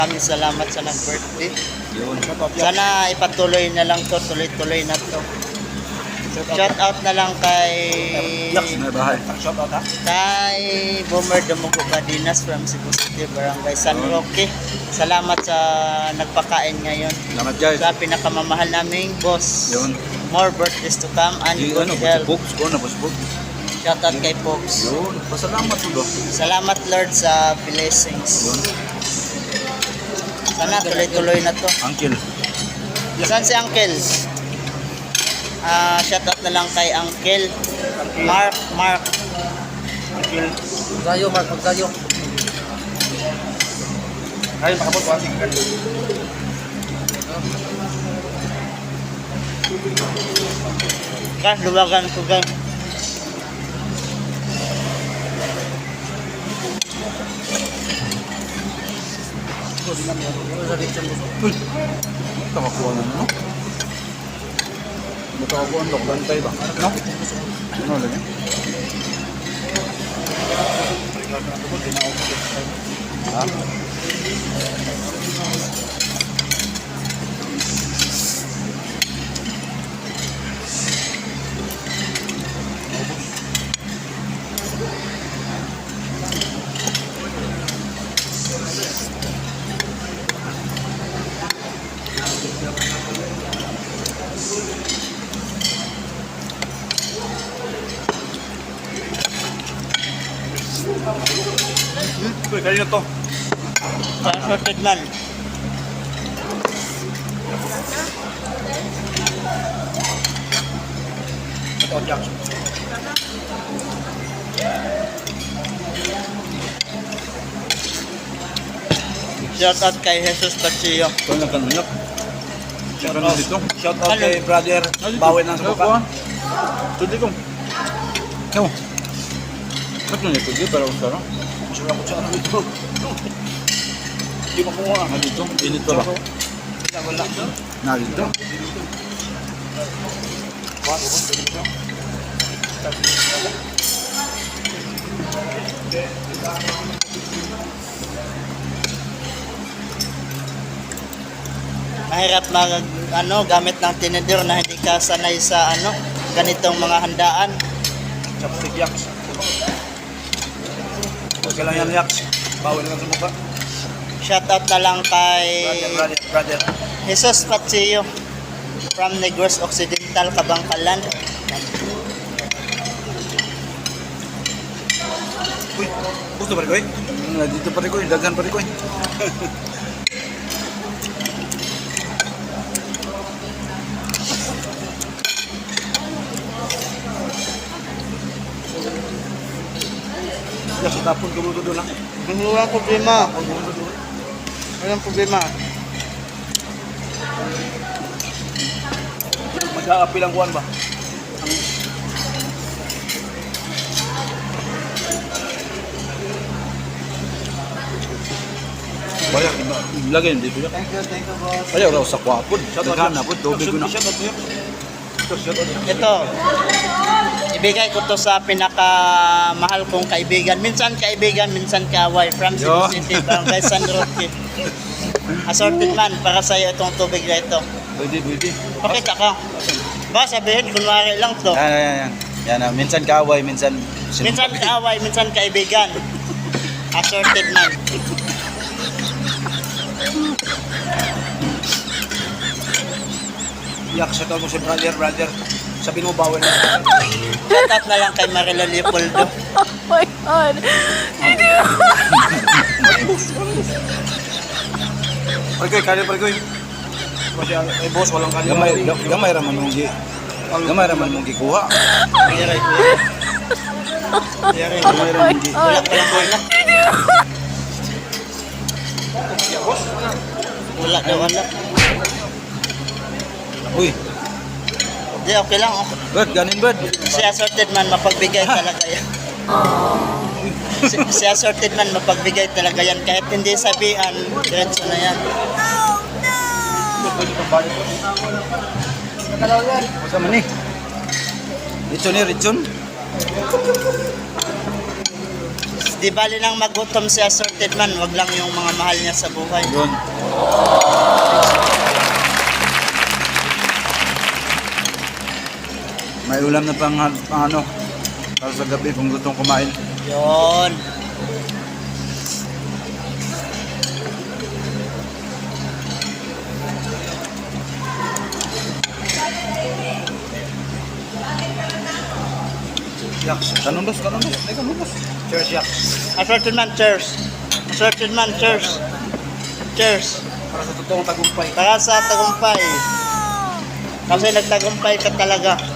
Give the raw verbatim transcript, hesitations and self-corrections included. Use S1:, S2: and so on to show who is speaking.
S1: Maraming salamat sa nag-birthday.
S2: Yun.
S1: Sana ipatuloy na lang to, tuloy-tuloy na to. Shout out na lang kay
S2: Yaks na bahay. Shout out ha?
S1: kay Boomer Dumugo Badinas from Cebu City, Barangay San Roque. Salamat sa nagpakain ngayon.
S2: Salamat guys.
S1: Sa pinakamamahal naming boss.
S2: Yun.
S1: More birthdays to come and
S2: Di
S1: good
S2: ano,
S1: health.
S2: Box ko na boss box.
S1: Shout out kay Pops.
S2: Yun. Pasalamat po do.
S1: Salamat Lord sa blessings.
S2: Yun.
S1: Sana tuloy-tuloy na to.
S2: Uncle.
S1: Saan si Uncle? Ah, shout out na lang kay Uncle Mark, Mark.
S2: Uncle.
S3: Magsayo, Mark, magsayo.
S2: Ay, makapot ko ating uncle.
S1: Kas, luwagan ko guys.
S2: Uy. Tamakuha na no? Matakuha na bantay ba? No? Ano lang yan? Ha? Uy, kanina to.
S1: Sa sorted man.
S2: Ito, Jack.
S1: Shout out kay Jesus Pachillo.
S2: Ito na kanina. Shout out dito.
S3: Shout out kay brother Bawi ng Subukan.
S2: Tudi ko. Ewan. Ba't nyo nito? Para ko sarang.
S3: Masura ko siya ano dito. Hindi makuha.
S2: Na dito? Init pa ba?
S3: Wala.
S2: Na dito?
S1: Mahirap mag ano gamit ng tinidor na hindi ka sanay sa ano ganitong mga handaan.
S3: Chopstick yaks. Huwag ka lang yan yaks. Bawi ng Subukan.
S1: Shout out na lang kay
S3: Brother, brother, brother.
S1: Jesus Pachillo from Negros Occidental, Kabangkalan.
S3: Uy, gusto pa rin ko eh.
S2: Na dito pa rin ko. Dagan pa rin ko.
S3: Yaks, itapon ko mo doon ha.
S1: Walang problema. Walang problema.
S3: Mag-aapi lang kuhan ba?
S2: Bayak. Lagay dito yan.
S1: Thank you, thank you boss.
S2: Ayaw raw sa kwapod.
S3: Shout out.
S2: Dagan na po. Tubig ko na.
S3: Shout out yaks. Ito, shout out.
S1: Ito, ibigay ko to sa pinakamahal kong kaibigan. Minsan kaibigan, minsan kaaway. From Cebu
S2: Yo.
S1: City, Barangay San Roque. Assorted man, para sa'yo itong tubig na ito.
S2: Pwede, pwede.
S1: Pakita ka. Ba, sabihin, kunwari lang to.
S2: Yan, yan, yan. Yan na. Minsan kaaway, minsan...
S1: Minsan kaaway, minsan kaibigan. Assorted man.
S3: Yaks, shout out mo si brother, brother. Sabihin mo bawi ng
S1: Shout out na lang kay Marilo Leopoldo.
S4: Oh my God.
S3: Parikoy, kaya parikoy. Kasi ay boss, walang kanya.
S2: Gamay, ga- gamay raman mong gi... Gamay raman mong gikuha.
S1: Mayroon, mayroon. Mayroon,
S2: Gamay raman gi...
S1: wala pa lang wala. Wala na wala.
S2: Uy,
S1: Di, okay lang. Okay.
S2: Bert, ganin Bert.
S1: Si assorted man, mapagbigay talaga yan. Si, si assorted man, mapagbigay talaga yan. Kahit hindi sabihan, diretso na yan.
S2: Masa man ni? Richon ni, Richon.
S1: Di bali nang magutom si assorted man, wag lang yung mga mahal niya sa buhay.
S2: Yun. May ulam na pang, pang ano, para sa gabi kung gustong kumain.
S1: Yun.
S3: Yaks.
S2: Kanong dos, kanong dos, ay kanong dos.
S3: Cheers, yaks.
S1: Assorted man, cheers. Assorted man, cheers. Cheers.
S3: Para sa totoong tagumpay.
S1: Para sa tagumpay. Kasi nagtagumpay ka talaga.